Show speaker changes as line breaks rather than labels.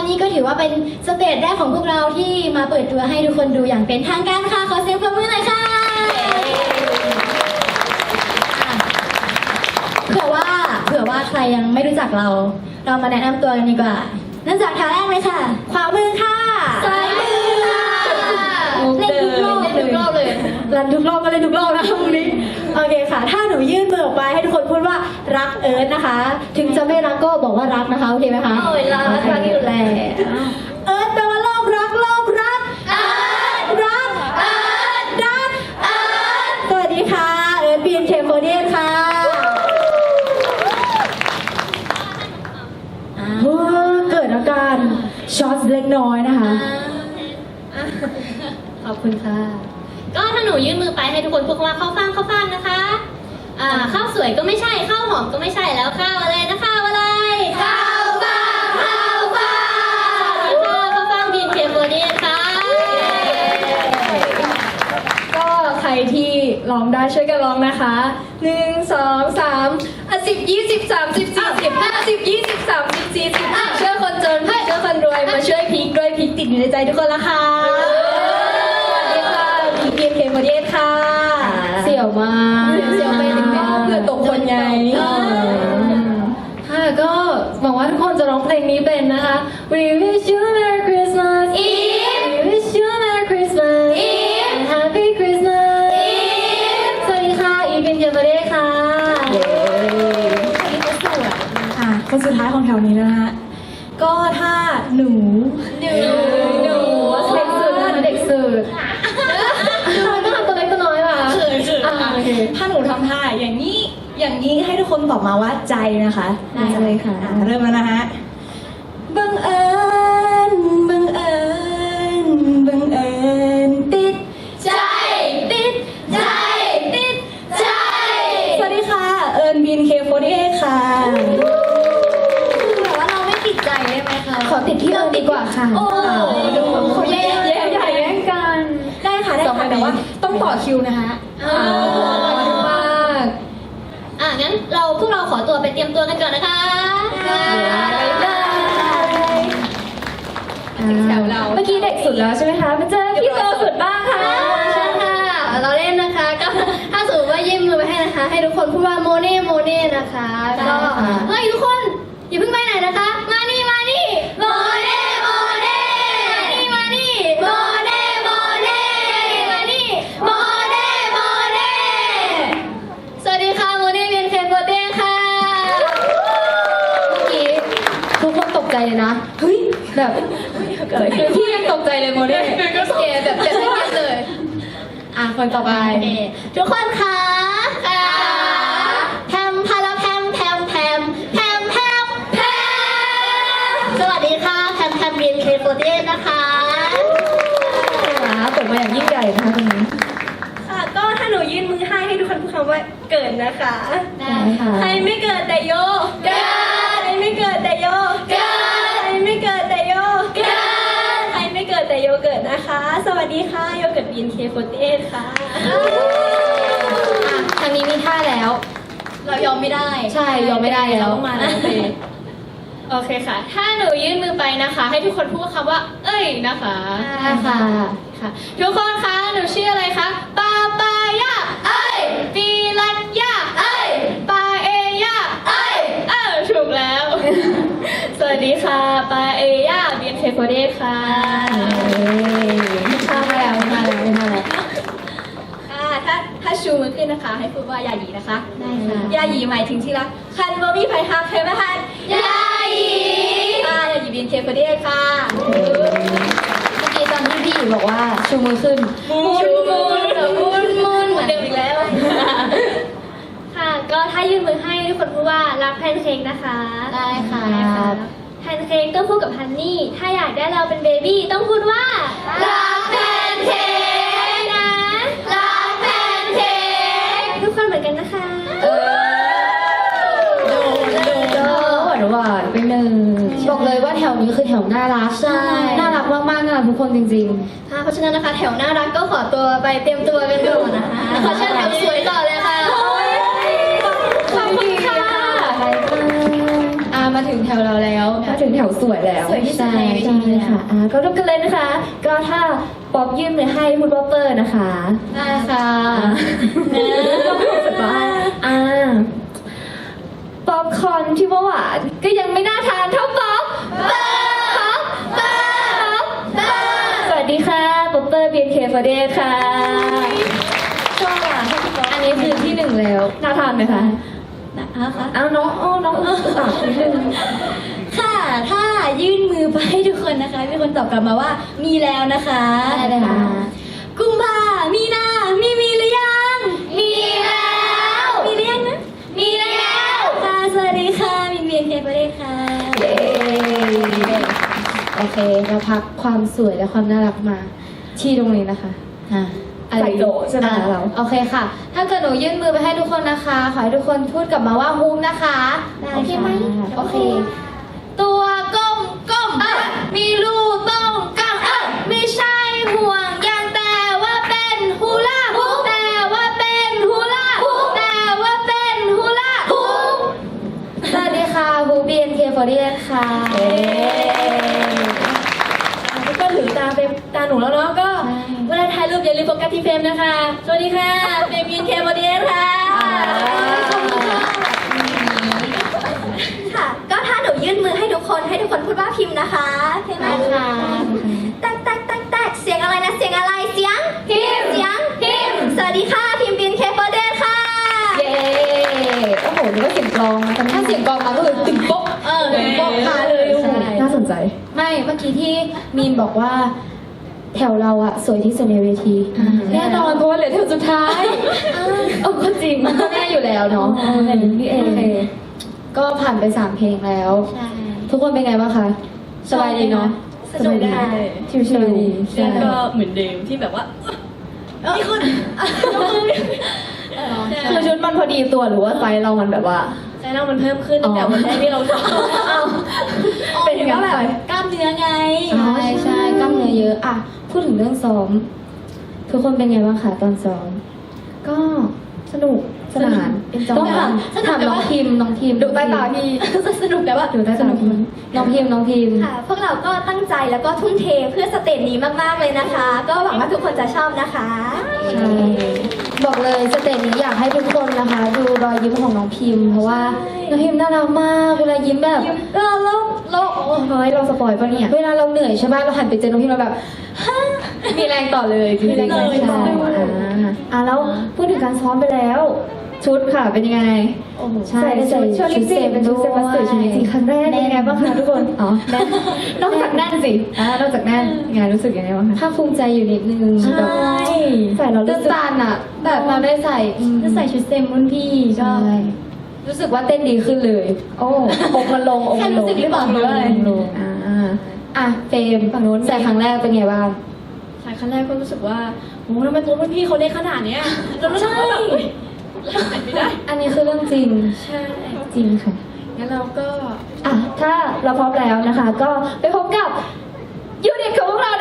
นี้ก็ถือว่าเป็นสเตจแรกของพวกเราที่มาเปิดตัวให้ทุกคนดูอย่างเป็นทางการค่ะขอเสียงปรบมือหน่อยค่ะเผื่อว่าใครยังไม่รู้จักเรามาแนะนำตัวกันดีกว่าเริ่มจากแถวแรกเลยค่ะขวามือค่ะซ้ายมือค่ะเล่นทุกรอบเลยรันทุกรอบก็เล่นทุกรอบนะตรงนี้โอเคค่ะถ้าหนูยื่นมือออกไปให้ทุกคนพูดว่ารักเอิร์ธนะคะ ถึงจะไม่รักก็บอกว่ารักนะคะโอเคไหมคะโอ้ยรักอยู่แล้วเอิร์ธแปลว่าโลกรักรักสวัสดีค่ะเอิร์ธBNK48ค่ะเกิดอาการช็อตเล็กน้อยนะคะขอบคุณค่ะ
ก็ถ้าหนูยื่นมือไปให้ทุกคนพูดว่าเข้าฟังนะคะข้าวสวยก็ไม่ใช่ข้าวหอมก็ไม่ใช่แล้วข้าวอะไรนะข้าวอะไรข้าวฟังBNK48ค่ะ
ก็ใครที่ร้องได้ช่วยกันร้องนะคะ1 2 3 10 20 30 40 50 20 30 40ช่วยคนจนช่วยคนรวยมาช่วยพีคด้วยพีคติดอยู่ในใจทุกคนละค่ะสวัสดีค่ะพีคBNK48ค่ะเสี่ยวมากเสี่ยวไปถึงเพื่อตกคนไงค่ะก็หวังว่าทุกคนจะร้องเพลงนี้เป็นนะคะ We wish you a Merry Christmas Eve We wish you a Merry Christmas Eve and Happy Christmas Eve สวัสดีค่ะอีฟBNK48ค่ะค่ะคนสุดท้ายของแถวนี้นะฮะก็ถ้าหนูเด็กสุดต้องทำตัวเล็กตัวน้อยป่ะถ้าหนูทำท่าอย่างนี้ให้ทุกคนตอบมาว่าใจนะคะได้เลยค่ะเริ่มแล้วนะฮะบังเอิญติดใจสวัสดีค่ะเอิญBNK48ค่ะแต่ว่าเราไม่ติดใจได้ไหมคะขอติดที่เอิญดีกว่าค่ะโอ้ดูคนแย่งกันได้ค่ะแต่ว่าต้องต่อคิวนะคะมาก
งั้นพวกเราขอตัวไปเตรียมตัวกันก่อนนะคะ
แถวเราเมื่อกี้เด็กสุดแล้วใช่ไหมคะมาเจอพี่โตสุดบ้างค่ะ
ใช่ค่ะเราเล่นนะคะก็ถ้าสมมติว่ายื่นมือไปให้นะคะให้ทุกคนพูดว่าโมเน่นะคะก็เฮ้ยทุกคนอย่าเพิ่งไปไหนนะคะมานี่โมเน่สวัสดีค่ะโมเน่BNK48ค่ะ
เมื่อกี้ทุกคนตกใจเลยนะเฮ้ยแบบพี่ยังตกใจเลยโมเน่
แบบไม่เก็ตเลย
คนต่อไป
ทุกคนคะแพมพาราแพมสวัสดีค่ะแพมBNK48นะคะ
เปิดมาอย่างยิ่งใหญ่นะคะตรงนี้
ค่ะก็ถ้าหนูยื่นมือให้ทุกคนพูดคำว่าเกิดนะคะ
ได้ค่ะ
ใครไม่เกิดแต่โยเกิดใครไม่เกิดแต่โยเกิดใครไม่เกิดแต่โยเกิดใครไม่เกิดแต่โยเกิดนะคะสวัสดีค่ะโยเกิดBNK48ค่ะ
ทางนี้มีท่าแล้ว
เรายอมไม่ได้
ใช่ยอมไม่ได้แล้ว
มาแล้ว
โอเคค่ะถ้าหนูยื่นมือไปนะคะให้ทุกคนพูดคำว่าเอ้ยนะคะ
ค่ะ
ทุกคนคะหนูชื่ออะไรคะปายาเอ้ยปีรัญญาเอ้ยปาเอยาเอ้ยถูกแล้วสวัสดีค่ะปาเอยาBNK48ค่ะ
มาแล้ว
ถ้าชูมือขึ้นนะคะให้พูดว่ายาหยีนะคะ
ได้ค่ะ
ยาหยีหมายถึงที่รักคันบ่มีไผฮักใครมาฮัก
ยาหยี
ยาหยีBNK48ค่ะ
เมื่อกี้ตอนที่พี่หยีบอกว่าชูมือขึ้น
ชูมือ
เหมือนเดิมอีกแล้ว
ค่ะก็ถ้ายื่นมือให้ทุกคนพูดว่ารักแพนเค้กนะคะ
ได้ค่ะ
แพนเค้กต้องพูดกับฮันนี่ถ้าอยากได้เราเป็นเบบี้ต้องพูดว่ารักแพนเค้กนะรักแพนเค้กทุกคนเหมือนกันนะคะ
หวานไปหนึ่งบอกเลยว่าแถวนี้คือแถวน่ารักน่ารักมากๆน่ารักทุกคนจริง
ๆเพราะฉะนั้นนะคะแถวน่ารักก็ขอตัวไปเตรียมตัวกันก่อนนะคะขอเชิญแถวสวยต่อเลยค่ะ
ขอบคุณค่ะ
มาถึงแถวเราแล้ว
มาถึงแถวสวยแล้ว
สวยที่สุดในเวที
ใช่ค่ะก็เริ่มกันเลยนะคะ ก็ถ้าป๊อปยื่นมือให้พูดว่าเปอร์นะคะ
ได้ค่ะ
รู้สึกว่าป๊อปคอร์นที่ว่าหวานก็ยังไม่น่าทานเท่าป๊อปสวัสดีค่ะป๊อปเปอร์ BNK48 ค่ะ
ชอบอ่ะชอบพี่ป๊อป
อันนี้คือที่หนึ่งแล้วน่าทานไหมคะ
นะคะ
อ้าวน้องนิดนึง
ค่ะ ถ้ายื่นมือไปให้ทุกคนนะคะ มีคนตอบกลับมาว่ามีแล้วนะคะ
ได้เลยค่ะ
กุมภามีนามีหรือยัง
มีแล้ว
มีหรือยังนะ
มีแล้ว
ค่ะ สวัสดีค่ะ มินเวียนเทปประเดชค่ะ
เย้โอเคเราพักความสวยและความน่ารักมาที่ตรงนี้นะคะใส่โจใช่ไหมคะเรา
โอเคค่ะ ถ้าเกิดหนูยื่นมือไปให้ทุกคนนะคะ ขอให้ทุกคนพูดกลับมาว่าฮูมนะคะ
ได้
โอเคไหม
ค่ะ
โอเค ตัวก้มมีรูต้องกังไม่ใช่ห่วงยางแต่ว่าเป็นฮูลาฮูปแต่ว่าเป็นฮูลาฮูปแต่ว่าเป็นฮูลาฮูปสวัสดีค่ะฮู BNK48 ค่ะ
ทุกคนถึงตาหนูแล้วเนาะก็
ใช่
เวลาถ่ายรูปอย่าลืมโฟกัสที่เฟรมนะคะ สวัสดีค่ะเฟรมยินเคโมเดียค่ะ
ค่ะ ก็ถ้าหนูยื่นมือให้ทุกคนพูดว่าพิมพ์นะคะโอเคไหม
ค่ะ
แตกเสียงอะไรนะ เสียงอะไร เสียง
พิมพ์
เสียง
พิมพ์
สวัสดีค่ะ พิมพ์บินเคเปอร์เดนค่ะ
เย้โอ้โหนี่ก็เสียงกลองนะ
ถ้าเสียงกลองมาก็คือตึงโป๊ะ
ตึงโป๊ะมาเลยโอ้โหน่าสนใจ
ไม่เมื่อกี้ที่มีนบอกว่า แถวเราอะสวยที่สุดในเวที
แน่นอนเพราะว่าเหลือแถวสุดท้ายก็จริง
มันก็แน่อยู่แล้วเนาะ
แบบนี้เอง
โอเคก็ผ่านไป3 เพลงแล้ว
ใช่
ทุกคนเป็นไงบ้างคะ สบายดีเนาะ
สนุกค่ะ
ชิวๆ
ใช่
แล้วก็เหมือนเดิมที่แบบว่ามีคน
คือชุดมันพอดีตัวหรือว่าไซส์เรามันแบบว่า
ใจเรามันเพิ่มขึ้นตั้งแต่วันแรกที่เราทำเป็นยังไง
แบบ
ไป
กล้ามเนื้อไง
ใช่กล้ามเนื้อเยอะอะพูดถึงเรื่องซ้อม ทุกคนเป็นไงบ้างคะตอนซ้อม
ก็สนุกสนาน
ต้องถามน้องพิมดูใต้ตาพี่
สนุกแต่ว่า
ดูใต้ตาพี่
น้องพิม
ค่ะ พวกเราก็ตั้งใจแล้วก็ทุ่มเทเพื่อสเตจนี้มากๆเลยนะคะ ก็หวังว่าทุกคนจะชอบนะคะ
ใช่บอกเลยสเตจนี้อยากให้ทุกคนนะคะ ดูรอยยิ้มของน้องพิมพ์ เพราะว่าน้องพิมพ์น่ารักมากเวลายิ้มแบบเราโอ้ยเราสปอยล์ปะเนี่ยเวลาเราเหนื่อยใช่ป่ะเราหันไปเจอน้องพิมพ์เราแบบ มีแรงต่อเลยจริงๆ
มีแรงต่อ
ใช่แล้วพูดถึงการซ้อมไปแล้ว ชุดค่ะเป็นยังไง
โอ้โห
ใช่
ใส่ชุดลิปสติกเป็นชุดเซบัสเตอร์ชุดลิปสติกครั้งแรกเป็นยังไงบ้างคะทุกคนอ๋อแน่นนอกจากแน่นสินอกจากแน่นยังไงรู้สึกยังไงบ้างคะ
ภาคภูมิใจอยู่นิดนึง
ใช่
แบบ
ใส่เรา
ตื่
รู้
น
สึก
ตันอะแบบเราได้ใส่
จะใส่ชุดเต็มรุ่นพี่ก็
ใช่รู้สึกว่าเต้นดีขึ้นเลย
โอ้อกมันลงอก
แค่
มันล
รู้
ง
สึกหรือเปล่าหรือว่าอะไร
ลง
อ่ะเฟรมฝั่งนู้นใส่ครั้งแรกเป็นไงบ้าง
ใช่ครั้งแรกก็รู้สึกว่าโอ้ทำไมตัวรุ่นพี่เขาได้ขนาดเนี้ยเรารู้สึกว่าแบบอุ๊ยเราใส่ไม่ได้
อันนี้คือเรื่องจริง
ใช่
จริงค่ะ
งั้นเราก็
ถ้าเราพร้อมแล้วนะคะ ก็ไปพบกับยูนิตของพวกเรา